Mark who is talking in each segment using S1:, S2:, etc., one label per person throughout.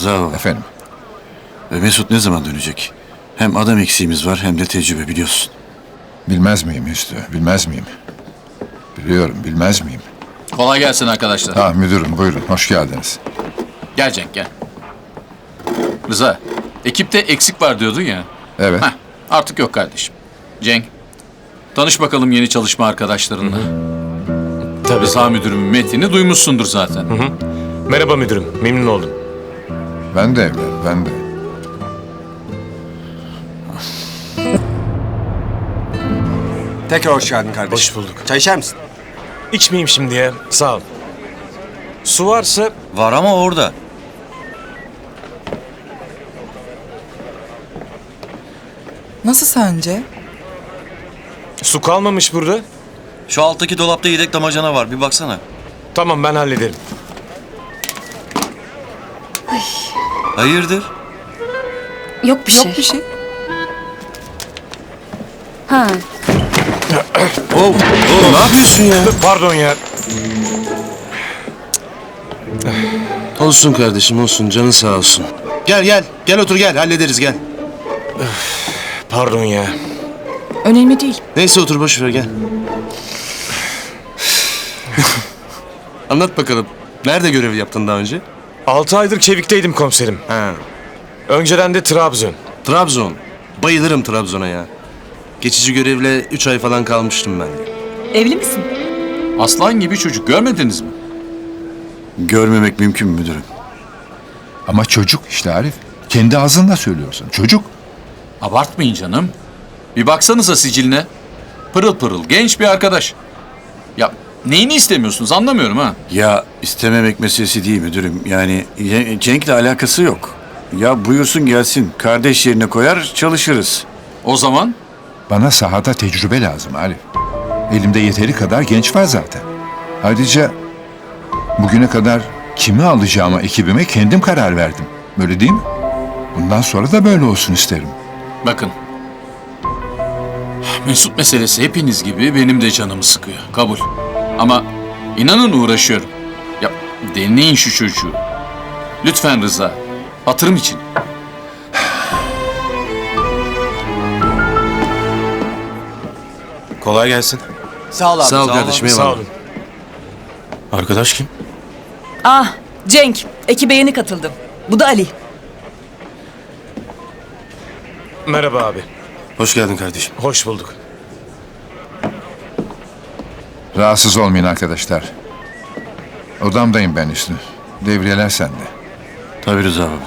S1: Rıza baba.
S2: Efendim?
S1: Mesut ne zaman dönecek? Hem adam eksiğimiz var hem de tecrübe biliyorsun.
S2: Bilmez miyim Hüsnü? Bilmez miyim? Biliyorum, bilmez miyim?
S3: Kolay gelsin arkadaşlar.
S2: Ha müdürüm, buyurun. Hoş geldiniz.
S3: Gel Cenk gel. Rıza, ekipte eksik var diyordun ya.
S2: Evet.
S3: Heh, artık yok kardeşim. Cenk, tanış bakalım yeni çalışma arkadaşlarınla.
S4: Tabii.
S3: Rıza müdürümün metnini duymuşsundur zaten.
S4: Merhaba müdürüm, memnun oldum.
S2: Ben de evlat, ben de.
S5: Tekrar hoş geldin kardeşim.
S4: Hoş bulduk.
S5: Çay içer misin?
S4: İçmeyeyim şimdi ya, sağ ol. Su varsa
S6: Var ama orada.
S7: Nasıl sence?
S4: su kalmamış burada.
S6: Şu alttaki dolapta yedek damacana var. Bir baksana.
S4: Tamam, ben hallederim.
S6: Hayırdır?
S8: Yok bir şey.
S7: Yok bir şey.
S8: Ha.
S5: Ne yapıyorsun ya?
S4: Pardon ya.
S5: Olsun kardeşim olsun. Canın sağ olsun. Gel gel. Gel otur gel. Hallederiz gel.
S4: Pardon ya.
S7: Önemli değil.
S5: Neyse otur boş ver gel. Anlat bakalım. Nerede görev yaptın daha önce?
S4: 6 aydır Çevik'teydim komiserim.
S5: Ha.
S4: Önceden de Trabzon.
S5: Trabzon. Bayılırım Trabzon'a ya. Geçici görevle 3 ay falan kalmıştım ben de.
S7: Evli misin?
S3: Aslan gibi çocuk görmediniz mi?
S1: Görmemek mümkün mü müdürüm?
S2: Ama çocuk işte Arif. Kendi ağzınla söylüyorsun. Çocuk.
S3: Abartmayın canım. Bir baksanıza siciline. Pırıl pırıl genç bir arkadaş. Ya neyini istemiyorsunuz anlamıyorum ha.
S1: Ya istememek meselesi değil müdürüm. Yani Cenk'le alakası yok. Ya buyursun gelsin. Kardeş yerine koyar çalışırız.
S3: O zaman
S2: Bana sahada tecrübe lazım Arif. Elimde yeteri kadar genç var zaten. Ayrıca bugüne kadar kimi alacağıma ekibime kendim karar verdim. Böyle değil mi? Bundan sonra da böyle olsun isterim.
S3: bakın. Mesut meselesi hepiniz gibi benim de canımı sıkıyor. Kabul. Ama inanın uğraşıyorum. Ya deneyin şu çocuğu. Lütfen Rıza. Hatırım için.
S5: Kolay gelsin.
S7: Sağ ol abi.
S5: Sağ ol kardeşim.
S4: Sağ
S5: eyvallah.
S4: olun.
S5: Arkadaş kim?
S7: Ah Cenk. Ekibe yeni katıldım. Bu da Ali.
S4: Merhaba abi.
S5: Hoş geldin kardeşim.
S4: Hoş bulduk.
S2: Rahatsız olmayın arkadaşlar. Odamdayım ben Hüsnü. Devriyeler sende.
S1: Tabii Rıza baba.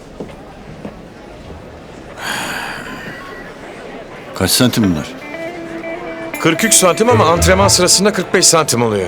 S1: Kaç santim bunlar?
S4: 43 santim ama antrenman sırasında 45 santim oluyor.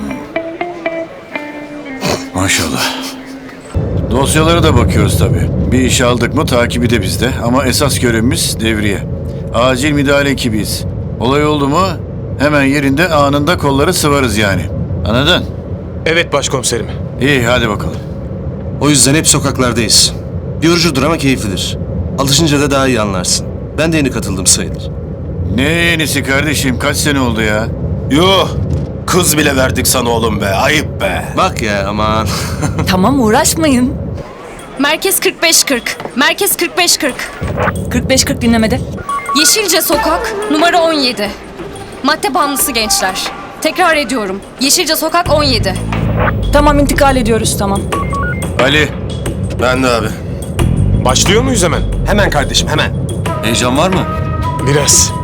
S1: Maşallah. Dosyalara da bakıyoruz tabii. Bir iş aldık mı takibi de bizde. Ama esas görevimiz devriye. Acil müdahale ekibiyiz. Olay oldu mu hemen yerinde anında kolları sıvarız yani. Anladın?
S4: Evet başkomiserim.
S1: İyi hadi bakalım.
S5: O yüzden hep sokaklardayız. Yorucudur ama keyiflidir. Alışınca da daha iyi anlarsın. Ben de yeni katıldım sayılır.
S1: Ne yenisi kardeşim kaç sene oldu ya?
S9: Yuh! Kız bile verdik sana oğlum be. Ayıp be.
S5: Bak ya aman.
S7: Tamam uğraşmayın.
S8: Merkez 45-40. Merkez 45-40.
S7: 45-40 dinlemede.
S8: Yeşilce Sokak numara 17. Madde bağımlısı gençler. Tekrar ediyorum. Yeşilce Sokak 17.
S7: Tamam intikal ediyoruz tamam.
S1: Ali.
S9: Ben de abi.
S4: Başlıyor muyuz hemen?
S5: Hemen kardeşim hemen.
S6: Heyecan var mı?
S4: Biraz.